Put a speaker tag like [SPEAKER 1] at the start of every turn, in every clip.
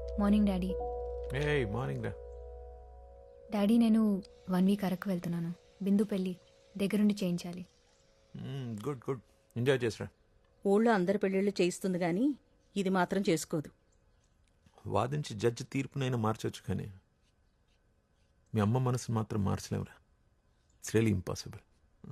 [SPEAKER 1] Morning daddy.
[SPEAKER 2] ఏయ్ morning రా.
[SPEAKER 1] Daddy నేను 1 వీక్ అరకు వెళ్తున్నాను. బిందు పెళ్ళి దగ్గరుండి చేయించాలి.
[SPEAKER 2] గుడ్ గుడ్ ఎంజాయ్ చేసిరా.
[SPEAKER 3] ఊళ్ళో అందరి పెళ్ళిళ్ళు చేయిస్తుంది గాని ఇది మాత్రం చేసుకోదు.
[SPEAKER 2] వాదించి జడ్జి తీర్పునైనా మార్చొచ్చు కానీ మీ అమ్మ మనసును మాత్రం మార్చలేవురా. It's really impossible.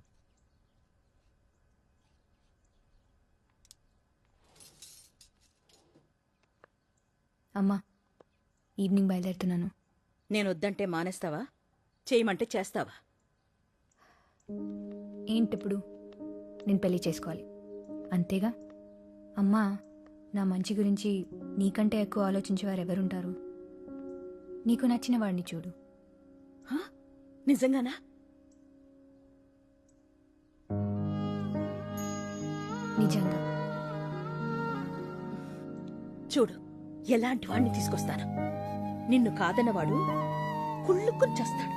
[SPEAKER 1] అమ్మా ఈవినింగ్ బయలుదేరుతున్నాను.
[SPEAKER 3] నేను వద్దంటే మానేస్తావా? చేయమంటే చేస్తావా?
[SPEAKER 1] ఏంటిప్పుడు? నేను పెళ్లి చేసుకోవాలి అంతేగా. అమ్మా నా మంచి గురించి నీకంటే ఎక్కువ ఆలోచించేవారు ఎవరుంటారు? నీకు నచ్చిన వాడిని చూడు.
[SPEAKER 3] హా? నిజంగానా?
[SPEAKER 1] నిజంగా.
[SPEAKER 3] చూడు ఎలాంటి వాడిని తీసుకొస్తాను. నిన్ను కాదన్నవాడు కుళ్ళుకుని చేస్తాడు.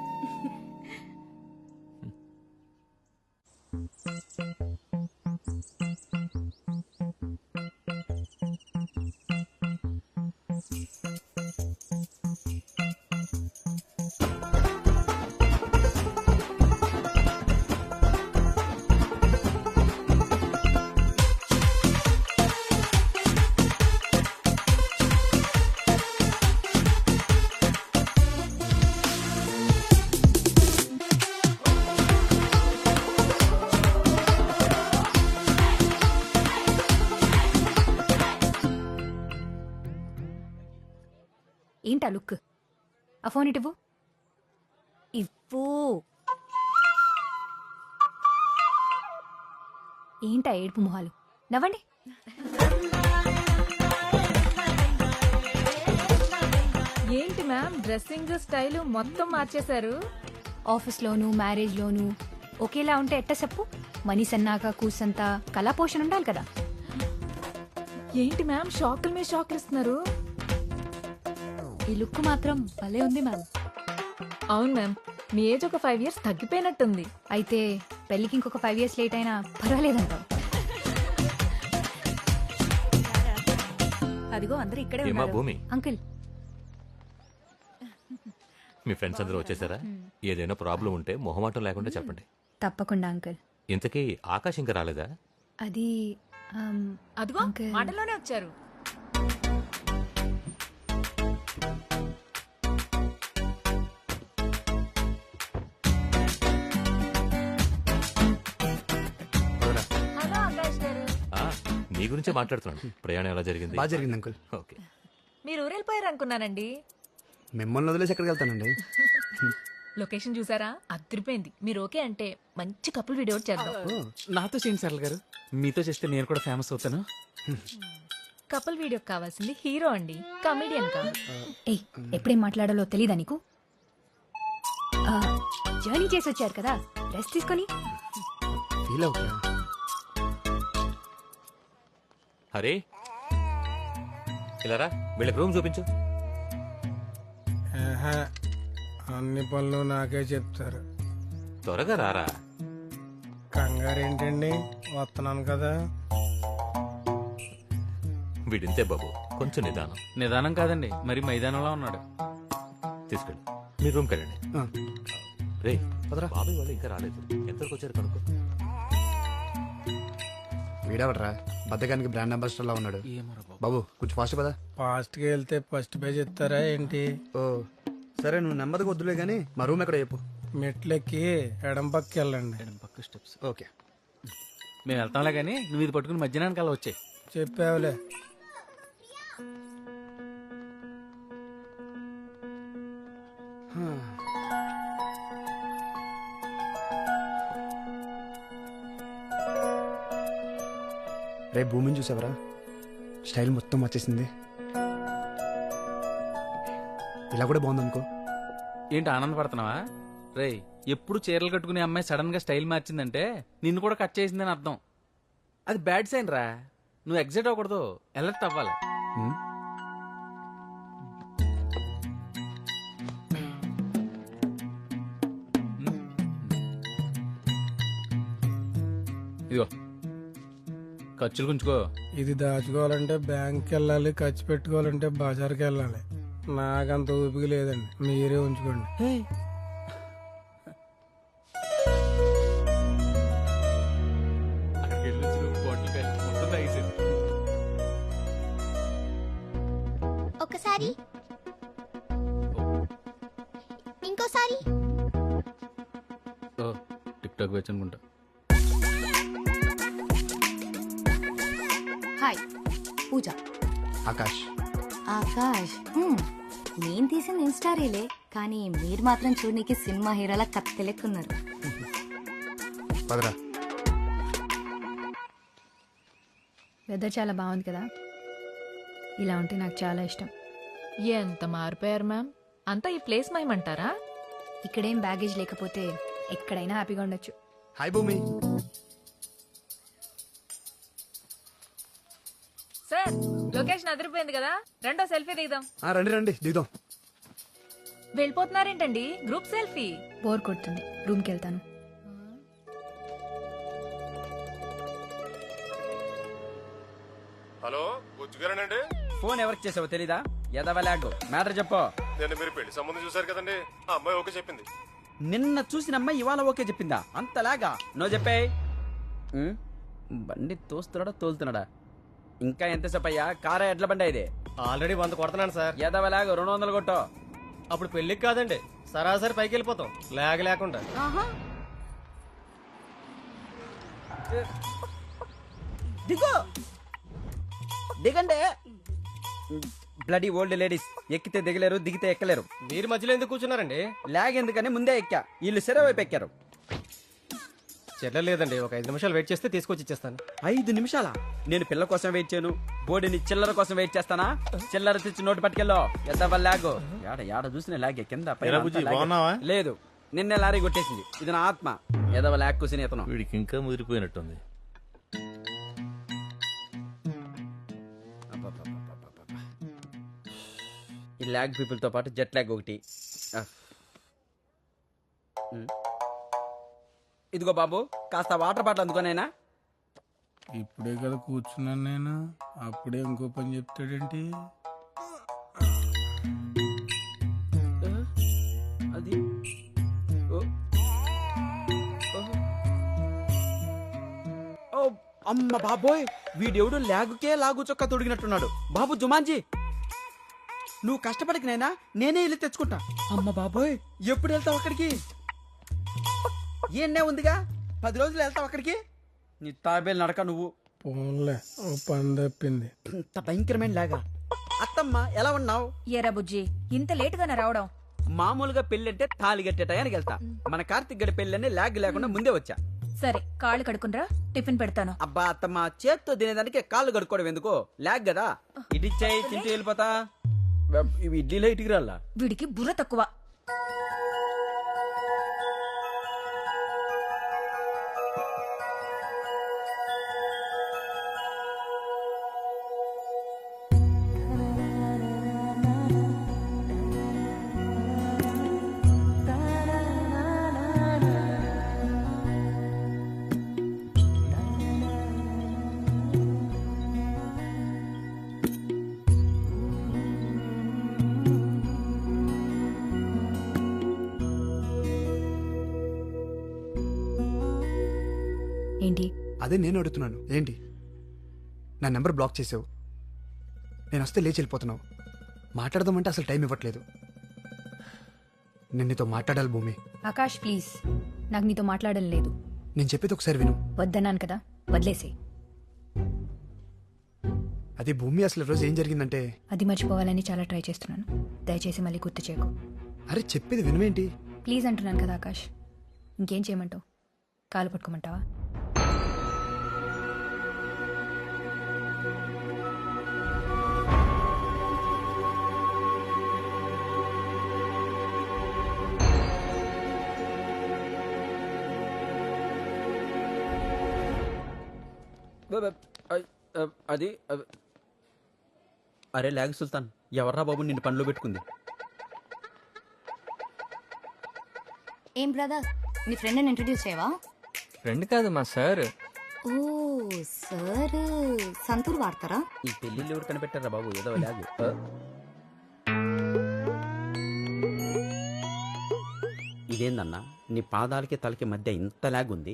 [SPEAKER 1] ఏంటా లుక్? ఆ ఫోన్ ఇటు ఇవ్వు. ఏంటా ఏడుపు మొహాలు? నవ్వండి.
[SPEAKER 4] ఏంటి మ్యామ్ డ్రెస్సింగ్ స్టైల్ మొత్తం మార్చేశారు?
[SPEAKER 1] ఆఫీస్లోను మ్యారేజ్లోను ఒకేలా ఉంటే ఎట్ట చెప్పు? మనిషి అన్నాక కూసంతా కళా పోషణ ఉండాలి కదా.
[SPEAKER 4] ఏంటి మ్యామ్ షాకుల మీద షాకులు ఇస్తున్నారు?
[SPEAKER 1] ఈ లుక్ మాత్రం భలే ఉంది మ్యామ్.
[SPEAKER 4] అవును మ్యామ్, మీ ఏజ్ ఒక 5 years తగ్గిపోయినట్టుంది.
[SPEAKER 1] అయితే పెళ్ళికి ఇంకొక 5 years లేట్ అయినా పర్వాలేదంటావు?
[SPEAKER 5] అదిగో అందరూ ఇక్కడే
[SPEAKER 6] ఏమా
[SPEAKER 5] ఉన్నారు.
[SPEAKER 6] భూమి,
[SPEAKER 1] అంకుల్
[SPEAKER 6] మీ ఫ్రెండ్స్ అందరూ వచ్చేసారా? ఏదైనా ప్రాబ్లం ఉంటే మొహమాటం లేకుండా చెప్పండి.
[SPEAKER 1] తప్పకుండా అంకుల్.
[SPEAKER 6] ఇంతకీ ఆకాశ్ ఇంకా రాలేదా?
[SPEAKER 1] అది
[SPEAKER 4] అదిగో
[SPEAKER 1] అంకుల్.
[SPEAKER 4] మాటలోనే వచ్చారు. హలో ఆకాష్ గారు.
[SPEAKER 6] ఆ, నీ గురించే మాట్లాడుతున్నాను. ప్రయాణం ఎలా జరిగింది?
[SPEAKER 7] బాగా జరిగింది అంకుల్.
[SPEAKER 6] ఓకే.
[SPEAKER 4] మీరు ఊరెళ్ళిపోయారు అనుకున్నానండి.
[SPEAKER 7] మిమ్మల్ని వదిలేసి ఎక్కడికి వెళ్తానండి?
[SPEAKER 4] లొకేషన్ చూసారా? అదిరిపోయింది. మీరు ఓకే అంటే మంచి కపుల్ వీడియో చేద్దాం.
[SPEAKER 8] నాతో చేయండి సరళ గారు, మీతో చేస్తే నేను కూడా ఫేమస్ అవుతాను.
[SPEAKER 4] కపుల్ వీడియో కావాల్సింది హీరో అండి, కమెడియన్ కాదు.
[SPEAKER 1] ఏయ్ ఎప్పుడేం మాట్లాడాలో తెలీదా నీకు? జర్నీ చేసి వచ్చారు కదా, రెస్ట్ తీసుకొని.
[SPEAKER 7] ఫీల్ అవుతా.
[SPEAKER 6] హరే ఇలా రా, వీళ్ళకి రూమ్ చూపించు.
[SPEAKER 9] అన్ని పనులు నాకే చెప్తారు.
[SPEAKER 6] త్వరగా రారా.
[SPEAKER 9] కంగారు ఏంటండి, వస్తున్నాను కదా.
[SPEAKER 6] వీడింతే బాబు, కొంచెం నిదానం.
[SPEAKER 8] నిదానం కాదండి, మరి మైదానంలో ఉన్నాడు.
[SPEAKER 6] తీసుకెళ్ళి మీ రూమ్కి వెళ్ళండి. రే
[SPEAKER 7] పదరా.
[SPEAKER 6] బాబాయ్ వాళ్ళు ఇంకా రాలేదు. ఎంతవరకు వచ్చారు కనుక్కో.
[SPEAKER 7] వీడవడరా బద్దకానికి బ్రాండ్ అంబాసిడర్ లా ఉన్నాడు. బాబు కొంచెం ఫాస్ట్ కదా.
[SPEAKER 9] ఫాస్ట్గా వెళ్తే ఫస్ట్ పేజ్ ఇస్తారా ఏంటి?
[SPEAKER 7] ఓ సరే, నువ్వు నెమ్మదిగా వద్దులే గానీ మా రూమ్ ఎక్కడ చెప్పు.
[SPEAKER 9] మెట్లెక్కి ఎడం పక్కకి వెళ్ళండి.
[SPEAKER 8] ఎడం పక్క స్టెప్స్.
[SPEAKER 7] ఓకే.
[SPEAKER 8] మేము వెళ్తాంలే కానీ నువ్వు ఇది పట్టుకుని మధ్యాహ్నానికి అలా వచ్చాయి.
[SPEAKER 9] చెప్పావులే.
[SPEAKER 7] రేపు భూమిని చూసావరా? స్టైల్ మొత్తం వచ్చేసింది. ఇలా కూడా బాగుంది అనుకో.
[SPEAKER 8] ఏంటి ఆనందపడుతున్నావా? రేయ్, ఎప్పుడు చీరలు కట్టుకునే అమ్మాయి సడన్ గా స్టైల్ మార్చిందంటే నిన్ను కూడా కట్ చేసిందని అర్థం. అది బ్యాడ్ సైన్ రా. నువ్వు ఎగ్జైట్ అవ్వకూడదు, అలర్ట్ అవ్వాలి.
[SPEAKER 7] హ్మ్?
[SPEAKER 8] ఇదిగో ఖర్చులు గుంచుకో.
[SPEAKER 9] ఇది దాచుకోవాలంటే బ్యాంక్కి వెళ్ళాలి, ఖర్చు పెట్టుకోవాలంటే బజార్కి వెళ్ళాలి. నాకంత ఊపిక లేదండి, మీరే ఉంచుకోండి.
[SPEAKER 8] అక్కడికి వెళ్ళి వచ్చి నువ్వు బాటిల్ కాయలు మొత్తం తాగేసాను.
[SPEAKER 5] ఒకసారి ఇంకోసారి.
[SPEAKER 8] ఓ టిక్ టాక్ వచ్చి అనుకుంటా.
[SPEAKER 1] హాయ్, పూజ.
[SPEAKER 7] ఆకాష్.
[SPEAKER 1] ఆకాష్. నేను తీసిన ఇన్స్టా రీలే, కానీ మీరు మాత్రం చూడనీకి సినిమా హీరోలా కత్తెలెక్కున్నారు.
[SPEAKER 7] పదరా.
[SPEAKER 1] వెదర్ చాలా బాగుంది కదా, ఇలా ఉంటే నాకు చాలా ఇష్టం.
[SPEAKER 4] ఎంత మారిపోయారు మ్యామ్, అంతా ఈ ప్లేస్ మయమంటారా?
[SPEAKER 1] ఇక్కడేం బ్యాగేజ్ లేకపోతే ఎక్కడైనా హ్యాపీగా ఉండొచ్చు.
[SPEAKER 7] హాయ్ భూమి.
[SPEAKER 4] సార్ లొకేషన్ అదిరిపోయింది కదా, రెండో సెల్ఫీ దిగుదాం.
[SPEAKER 7] రండి రండి దిగుదాం.
[SPEAKER 4] వెళ్ళిపోతున్నారేంటండి, గ్రూప్ సెల్ఫీ?
[SPEAKER 1] బోర్ కొడుతుంది, రూమ్కి వెళ్తాను.
[SPEAKER 10] హలో బుజ్జుగారేనండి?
[SPEAKER 8] ఫోన్ ఎవరికి చేసావో తెలీదా? ఎదవలాగు మ్యాటర్ చెప్పు.
[SPEAKER 10] నేను మీరు పెళ్లి సంబంధం చూసారు కదండి, ఆ అమ్మాయి ఓకే చెప్పింది.
[SPEAKER 8] నిన్న చూసిన అమ్మాయి ఇవాళ ఓకే చెప్పిందా? అంతలాగా నో చెప్పే. బండి తోస్తున్నాడా తోలుతున్నాడా? ఇంకా ఎంతసేపు అయ్యా? కారా ఎడ్ల బండి ఇది?
[SPEAKER 11] ఆల్రెడీ 100 కొడుతున్నాను సార్.
[SPEAKER 8] ఎదవలాగు 200 కొట్టో.
[SPEAKER 11] అప్పుడు పెళ్లికి కాదండి, సరాసరి పైకి వెళ్ళిపోతాం లేక లేకుండా.
[SPEAKER 8] దిగో దిగండి. బ్లడీ ఓల్డ్ లేడీస్ ఎక్కితే దిగలేరు, దిగితే ఎక్కలేరు.
[SPEAKER 11] మీరు మధ్యలో ఎందుకు కూర్చున్నారండి?
[SPEAKER 8] లాగ్ ఎందుకని ముందే ఎక్కా, వీళ్ళు సెర వైపు ఎక్కారు.
[SPEAKER 11] చెట్ల లేదండి, ఒక 5 నిమిషాలు వెయిట్ చేస్తే తీసుకొచ్చి ఇచ్చేస్తాను.
[SPEAKER 8] 5 నిమిషాలా? నేను పిల్ల కోసం వెయిట్ చేయను, బోడిని చిల్లర కోసం వెయిట్ చేస్తానా? చిల్లర తెచ్చి నోటు పట్టుకెళ్ళో. ఎద్దవ లాగు. యాడ చూసిన లాగే కింద పైన అంతా లాగే. లేదు, నిన్నే లారీ కొట్టేసింది. ఇది నా ఆత్మ. ఎదవ లాగ్ కూసిన ఇతను.
[SPEAKER 6] వీడికి ఇంకా ముదిరిపోయినట్టుంది.
[SPEAKER 8] ఈ లాగ్ పీపుల్ తో పాటు జెట్ లాగ్ ఒకటి. ఇదిగో బాబు, కాస్త వాటర్ బాటిల్ అందుకోనైనా.
[SPEAKER 9] ఇప్పుడే కదా కూర్చున్నాను నేను, అప్పుడే ఇంకో పని చెప్తాడేంటి?
[SPEAKER 8] అది అమ్మ బాబోయ్, వీడెవడు లాగుకే లాగు చొక్కా తొడిగినట్టున్నాడు. బాబు జుమాన్జీ, నువ్వు కష్టపడికి నైనా నేనే ఇల్లు తెచ్చుకుంటా. అమ్మ బాబోయ్, ఎప్పుడు వెళ్తావు అక్కడికి? ఏనే ఉందిగా, 10 రోజులు వెళ్తావు అక్కడికి. నీ తాబేలు నడక నువ్వు.
[SPEAKER 9] పోన్లే, ఓ పని తప్పింది.
[SPEAKER 8] ఇంత భయంకరమైన లాగా. అత్తమ్మ ఎలా ఉన్నావు?
[SPEAKER 4] ఎరా బుజ్జి, ఇంత లేటుగా రావడం?
[SPEAKER 8] మామూలుగా పెళ్ళంటే తాళి కట్టే టయానికి వెళ్తా. మన కార్తిక్ గడి పెళ్ళని లాగ్ లేకుండా ముందే వచ్చా.
[SPEAKER 4] సరే, కాళ్ళు కడుకునరా, టిఫిన్ పెడతాను.
[SPEAKER 8] అబ్బా అత్తమ్మ, చేత్తో తినేదానికి కాళ్ళు కడుక్కోవడం ఎందుకో? లాగ్ కదా. ఇడిచ్చాయి, తింటూ వెళ్ళిపోతా. ఇవి ఇడ్లీలో ఇటుకు రాళ్ళ.
[SPEAKER 4] వీడికి బుర్ర తక్కువ.
[SPEAKER 1] ఏంటి?
[SPEAKER 7] అదే నేను అడుగుతున్నాను, ఏంటి? నా నెంబర్ బ్లాక్ చేసావు, నేను వస్తే లేచి వెళ్ళిపోతున్నావు. మాట్లాడదామంటే అసలు టైం ఇవ్వట్లేదు. నేను నీతో మాట్లాడాలి భూమి.
[SPEAKER 1] ఆకాష్ ప్లీజ్, నాకు నీతో మాట్లాడడం లేదు.
[SPEAKER 7] నేను చెప్పేది ఒకసారి విను.
[SPEAKER 1] వద్దన్నాను కదా, వదిలేసే.
[SPEAKER 7] అదే భూమి, అసలు రోజు ఏం జరిగిందంటే,
[SPEAKER 1] అది మర్చిపోవాలని చాలా ట్రై చేస్తున్నాను. దయచేసి మళ్ళీ గుర్తు చేయకు.
[SPEAKER 7] అరే చెప్పేది వినువేంటి?
[SPEAKER 1] ప్లీజ్ అంటున్నాను కదా ఆకాష్. ఇంకేం చేయమంటావు? కాలు పట్టుకోమంటావా?
[SPEAKER 8] అది అరే లాగ్ సుల్తాన్, ఎవర్రా బాబు నిన్ను పనిలో పెట్టుకుంది?
[SPEAKER 1] ఏం బ్రదర్, నీ ఫ్రెండ్ని ఇంట్రడ్యూస్ చేయవా?
[SPEAKER 12] ఫ్రెండ్ కాదు మా సార్. ఓ సార్ సంతూర్ వాడతారా?
[SPEAKER 8] ఈ పెళ్లిళ్ళు ఎవరు కనిపెట్టారా బాబు ఏదో లాగు. ఇదేందన్నా నీ పాదాలకి తలకి మధ్య ఇంత లాగ్ ఉంది.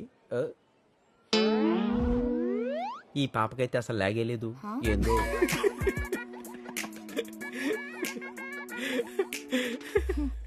[SPEAKER 8] ఈ పాపకైతే అసలు లాగే లేదు. ఏందో